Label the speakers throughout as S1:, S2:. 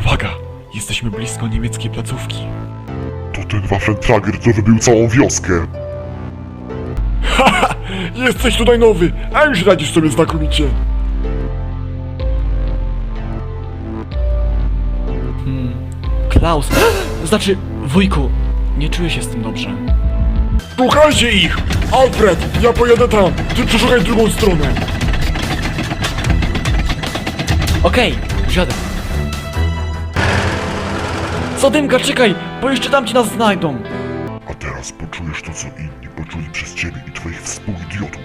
S1: Uwaga! Jesteśmy blisko niemieckiej placówki.
S2: To ten Waffentrager, co wybił całą wioskę.
S1: Haha! Jesteś tutaj nowy, a już radzisz sobie znakomicie. Klaus, znaczy wujku, nie czuję się z tym dobrze. Szukajcie ich! Alfred, ja pojadę tam, ty przeszukaj drugą stronę. Okej, wsiadę. Zadymka, czekaj, bo jeszcze tam ci nas znajdą.
S2: A teraz poczujesz to, co inni poczuli przez ciebie i twoich współidiotów.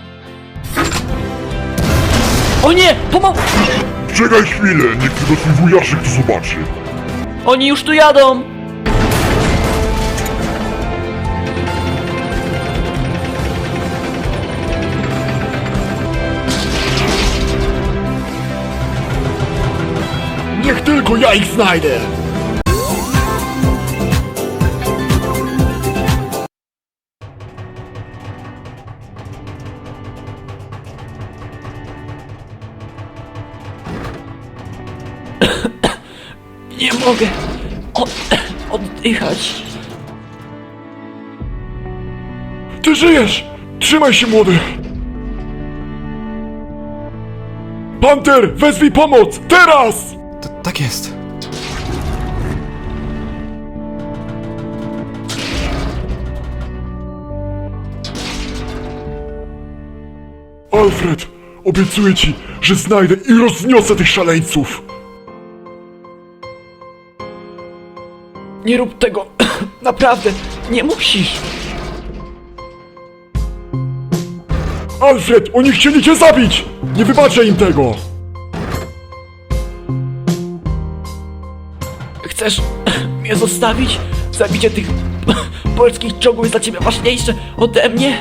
S1: O nie,
S2: Czekaj chwilę, niech tylko twój wujaszek to zobaczy.
S1: Oni już tu jadą! Niech tylko ja ich znajdę! Nie mogę oddychać. Ty żyjesz! Trzymaj się, młody! Panter, wezwij pomoc! Teraz!
S3: Tak jest.
S1: Alfred, obiecuję ci, że znajdę i rozniosę tych szaleńców! Nie rób tego! Naprawdę, nie musisz! Alfred, oni chcieli cię zabić! Nie wybaczę im tego! Chcesz mnie zostawić? Zabicie tych polskich czołgów jest dla ciebie ważniejsze ode mnie?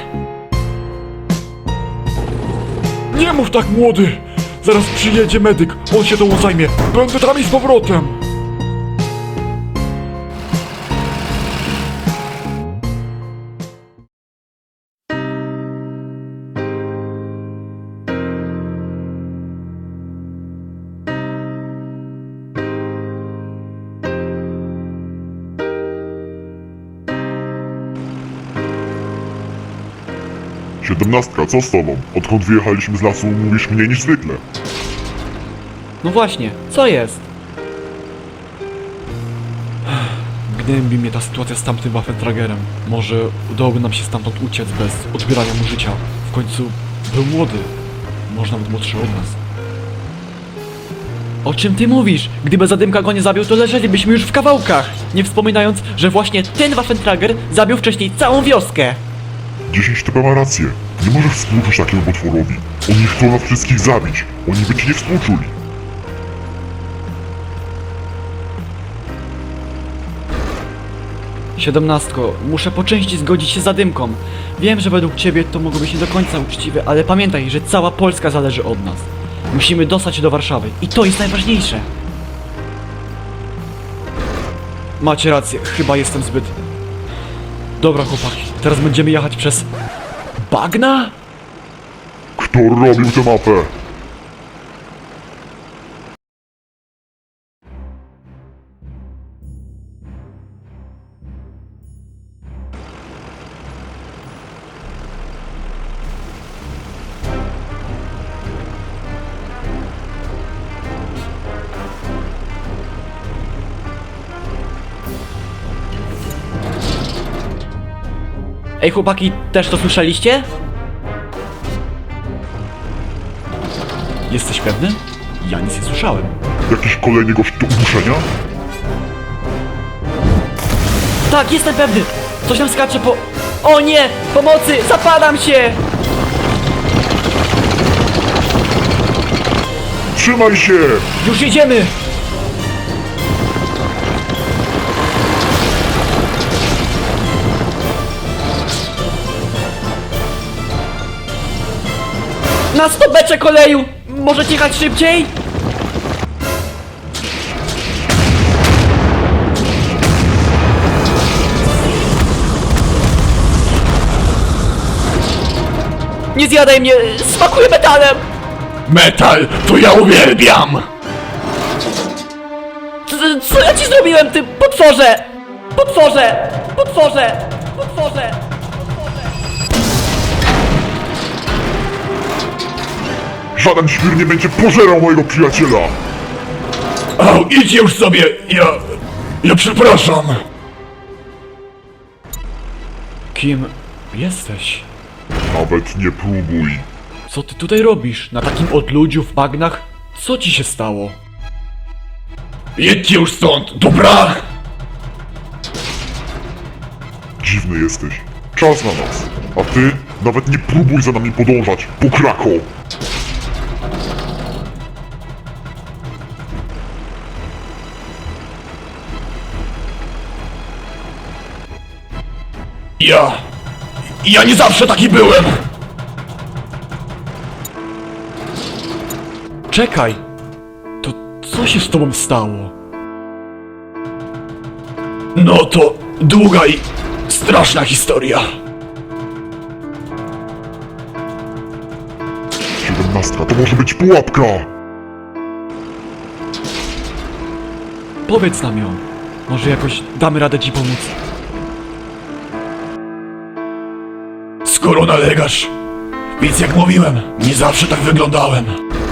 S1: Nie mów tak, młody! Zaraz przyjedzie medyk, on się tą zajmie. Będę tam i z powrotem!
S2: Siedemnastka, co z tobą? Odkąd wyjechaliśmy z lasu, mówisz mniej niż zwykle.
S1: No właśnie, co jest? Gnębi mnie ta sytuacja z tamtym Waffentragerem. Może udałoby nam się stamtąd uciec bez odbierania mu życia. W końcu był młody. Może nawet młodszy od nas. O czym ty mówisz? Gdyby Zadymka go nie zabił, to leżelibyśmy już w kawałkach. Nie wspominając, że właśnie ten Waffentrager zabił wcześniej całą wioskę.
S2: 10 TP ma rację. Nie możesz współczuć takiemu potworowi. Oni chcą nas wszystkich zabić. Oni by ci nie współczuli.
S1: Siedemnastko, muszę po części zgodzić się z Zadymką. Wiem, że według ciebie to mogło być nie do końca uczciwe, ale pamiętaj, że cała Polska zależy od nas. Musimy dostać się do Warszawy i to jest najważniejsze. Macie rację, chyba jestem zbyt... Dobra chłopaki, teraz będziemy jechać przez... Bagna?
S2: Kto robił tę mapę?
S1: Ej chłopaki, też to słyszeliście? Jesteś pewny? Ja nic nie słyszałem.
S2: Jakiś kolejny gość do uduszenia?
S1: Tak, jestem pewny! Coś nam skacze po... O nie! Pomocy! Zapadam się!
S2: Trzymaj się!
S1: Już jedziemy! Na stopeczek koleju! Możecie jechać szybciej? Nie zjadaj mnie! Smakuje metalem!
S3: Metal, to ja uwielbiam!
S1: Co ja ci zrobiłem, ty potworze? Potworze! Potworze! Potworze!
S2: Żaden świr nie będzie pożerał mojego przyjaciela!
S3: Au, idź już sobie, ja przepraszam.
S1: Kim jesteś?
S2: Nawet nie próbuj.
S1: Co ty tutaj robisz? Na takim odludziu w bagnach? Co ci się stało?
S3: Jedźcie już stąd, dobra?
S2: Dziwny jesteś. Czas na nas. A ty nawet nie próbuj za nami podążać, pokrako!
S3: Ja nie zawsze taki byłem.
S1: Czekaj! To co się z tobą stało?
S3: No to długa i straszna historia.
S2: 17 to może być pułapka!
S1: Powiedz nam ją. Może jakoś damy radę ci pomóc.
S3: Skoro nalegasz, więc jak mówiłem, nie zawsze tak wyglądałem.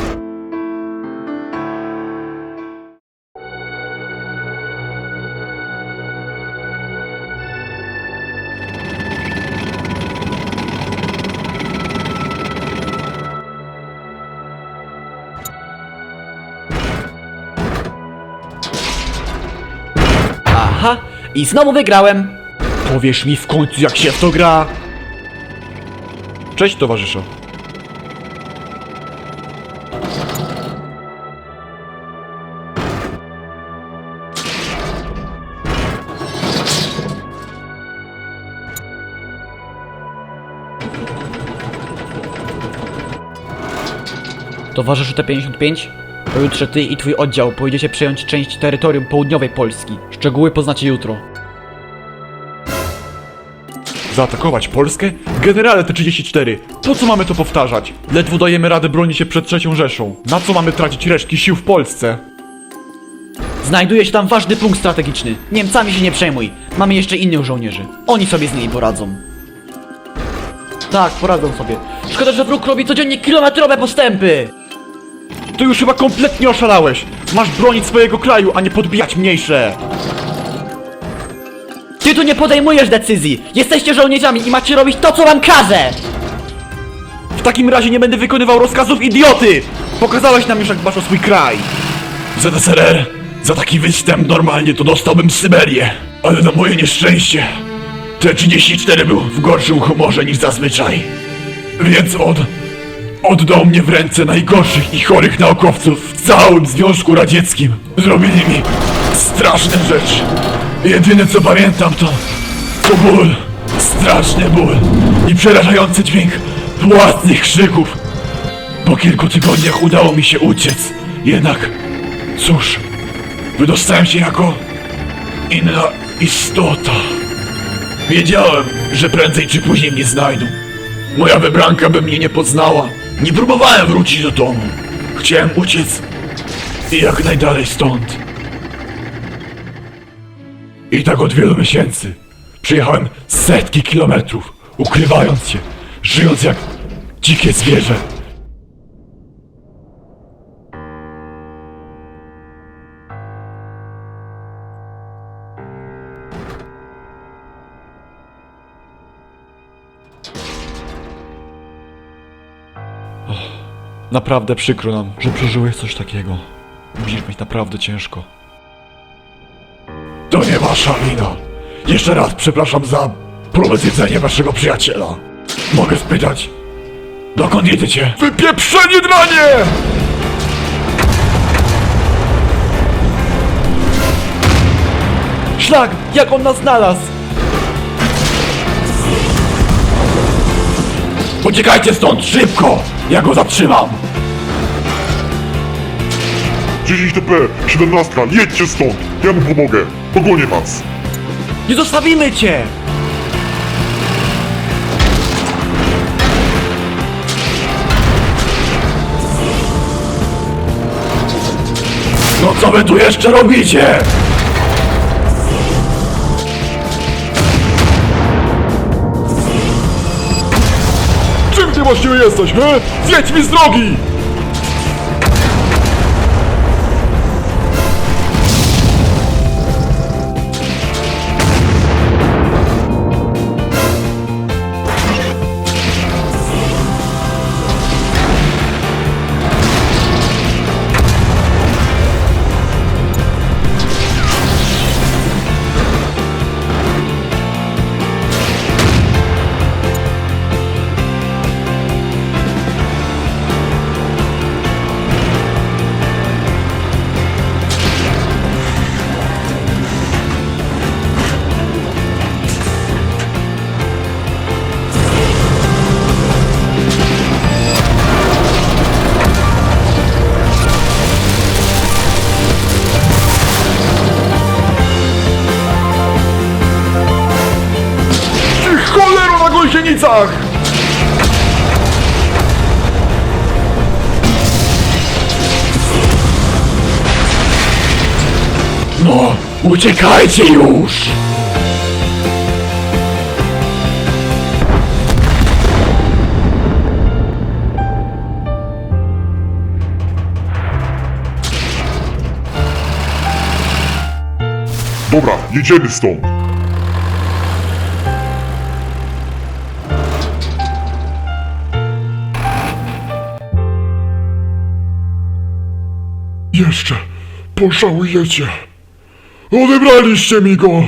S1: Aha! I znowu wygrałem! Powiesz mi w końcu, jak się w to gra! Cześć, towarzyszu. Towarzyszu T-55? Pojutrze ty i twój oddział pojedziecie przejąć część terytorium południowej Polski. Szczegóły poznacie jutro.
S3: Zaatakować Polskę? Generale T-34, po co mamy to powtarzać? Ledwo dajemy radę bronić się przed III Rzeszą. Na co mamy tracić resztki sił w Polsce?
S1: Znajduje się tam ważny punkt strategiczny. Niemcami się nie przejmuj. Mamy jeszcze innych żołnierzy. Oni sobie z nimi poradzą. Tak, poradzą sobie. Szkoda, że wróg robi codziennie kilometrowe postępy!
S3: Ty już chyba kompletnie oszalałeś. Masz bronić swojego kraju, a nie podbijać mniejsze.
S1: Ty tu nie podejmujesz decyzji! Jesteście żołnierzami i macie robić to, co wam każę!
S3: W takim razie nie będę wykonywał rozkazów idioty! Pokazałeś nam już, jak dbasz o swój kraj. ZSRR, za taki występ normalnie to dostałbym Syberię. Ale na moje nieszczęście T-34 był w gorszym humorze niż zazwyczaj. Więc oddał mnie w ręce najgorszych i chorych naukowców w całym Związku Radzieckim. Zrobili mi straszne rzeczy. Jedyne co pamiętam to ból, straszny ból i przerażający dźwięk własnych krzyków. Po kilku tygodniach udało mi się uciec, jednak cóż, wydostałem się jako inna istota. Wiedziałem, że prędzej czy później mnie znajdą. Moja wybranka by mnie nie poznała. Nie próbowałem wrócić do domu. Chciałem uciec jak najdalej stąd. I tak od wielu miesięcy. Przejechałem setki kilometrów, ukrywając się, żyjąc jak dzikie zwierzę.
S1: Naprawdę przykro nam, że przeżyłeś coś takiego. Musisz mieć naprawdę ciężko.
S3: To nie wasza wina. Jeszcze raz przepraszam za próbę zjedzenia waszego przyjaciela. Mogę spytać, dokąd jedziecie? Wypieprzenie dranie!
S1: Szlak! Jak on nas znalazł!
S3: Uciekajcie stąd, szybko! Ja go zatrzymam!
S2: 10 TP, 17, jedźcie stąd! Ja mu pomogę! Pogonię was!
S1: Nie zostawimy cię!
S3: No co Co wy tu jeszcze robicie? Czym ty właściwie jesteś, he? Zjedź mi z drogi! Cholero na gąsienicach! No, uciekajcie już!
S2: Dobra, jedziemy stąd. Jeszcze pożałujecie. Odebraliście mi go.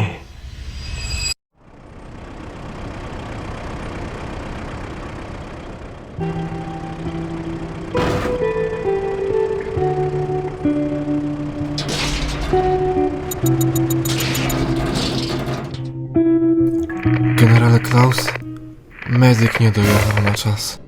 S4: Generale Klaus, medyk nie dojechał na czas.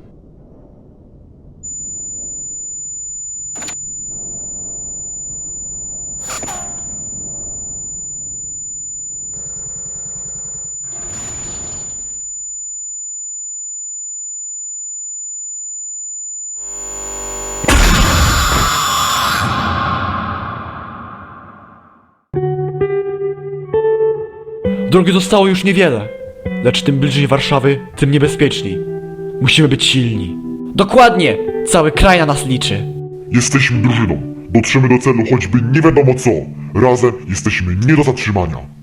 S1: Drogi zostało już niewiele, lecz tym bliżej Warszawy, tym niebezpieczniej. Musimy być silni. Dokładnie! Cały kraj na nas liczy.
S2: Jesteśmy drużyną. Dotrzemy do celu choćby nie wiadomo co. Razem jesteśmy nie do zatrzymania.